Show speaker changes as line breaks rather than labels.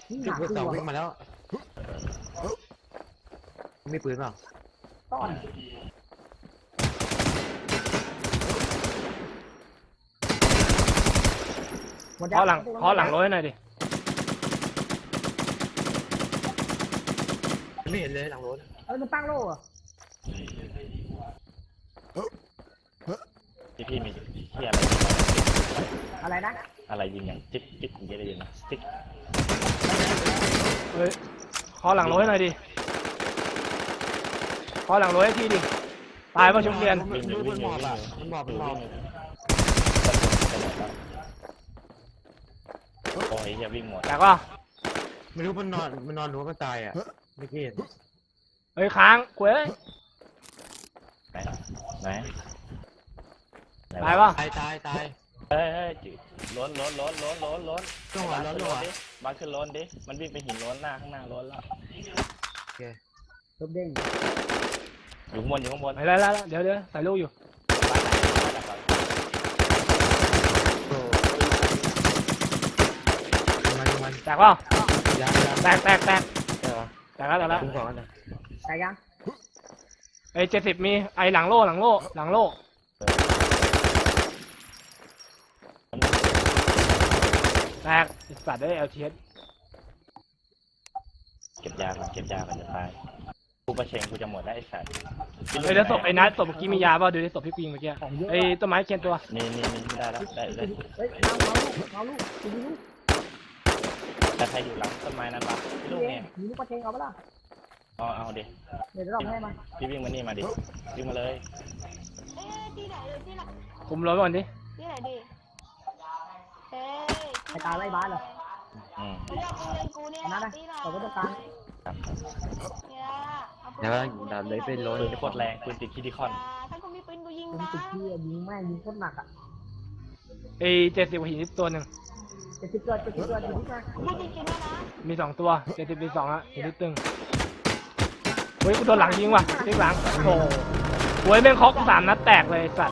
นี่ห
จุด
นัก
เบอร์
ตั
สอง
ว
วิ่งมาแล้วมีปืนเปล่า
ต้อนหมด
ขอหลังรถให้หน่อยดิ
ไม่เห็นเลยหลังรถ
มันตั้งโล่อะ
พี่มีที่อะไร
อะไรนะ
อะไรยิงอย่างจิ๊กจิ๊กอย่างเงี้ยได้ยินไหมจิ๊ก
เฮ้ยขอหลังรถให้หน่อยดิขอหลังรถให้ทีดิตายป่ะชุบเรียน
วิ่งอยู่วิ่งอยู่วิ่งอยู่
มันบอก
วิ่งอยู่โอ้ยอย่าวิ่งหมด
แต่ก็
ไม่รู้มันนอนหรือว่ามันตายอ่ะไม่เห็น
เฮ้ยค้างเว้ย
ไหน
ตายป่ะ
ตาย
เฮ้ยล้น
ต้องหัวร้อนเลยว่ะ
บ้านขึ้นล้นดิมันวิ่งไปหินล้นหน้าข้างหน้าล้นแล้ว
ลบเด้ง
อยู่ข้างบนอยู่ข้างบน
ไปแล้วเดี๋ยวใส่ลูกอยู่
มัน
แตกป่ะ
ยา
แตกแล้ว
คุ้มก่อนนะ
แต่ยัง
ไอ้70มีไอ้หลังโล่แตกสัตว์ได้เอลทีเอส
เก็บยาก่อนจะตายกูประเชงกูจะหมดได้ไอ้สัตว์
เฮ้ยแล้วศพไอ้นัทศพเมื่อกี้มียาป่ะดูดิศพพี่ปิงเมื่อกี้ไอ้ต้นไม้เคียนตัว
นี่ได้แล้วได้เลย
เฮ้ยเอาลูกดูลูก
แต่ใครอยู่หลังต้นไม้นั้นปะพี่ลูกเนี่ย
มีลูกปลาเชงเอาปะล่ะ
เอาดิ
เดี๋ยวเราให้มัน
พี่วิ่งมานี่มาดิวิ่งมาเลย
ที่ไหนเลยที่ไหน
คุมรถก่อนดิ
ที่ไหนดิเฮ้ย
ไอ้ตายไล่บ้านเหรอ
ไม่ยอมเงินกูเนี่ย
นั่นนะ
ที่ไหน
เราก็ต้องการ
เนี่ยเอาปืน
แล้วดับเลยเป็นร้อน
ปืนโคตรแรงปืนติดคิดิคอน
ถ้ากูมีปืนกูยิง
ผม
นะ
ติดที่ยิงแม่ยิงโคตรหนักอ่ะ
ไอ้70หินตัวหนึ่ง
จะติดเกิดอยู่ที่ไหน
พูดจริงๆนะ
มี2ตัว70มี2อ่ะหินนิดตึงเฮ้ยกูโดนหลังยิงว่ะที่หลังโอ้โหเว้ยแม่งเคาะกู3 นัดแตกเลยสัตว์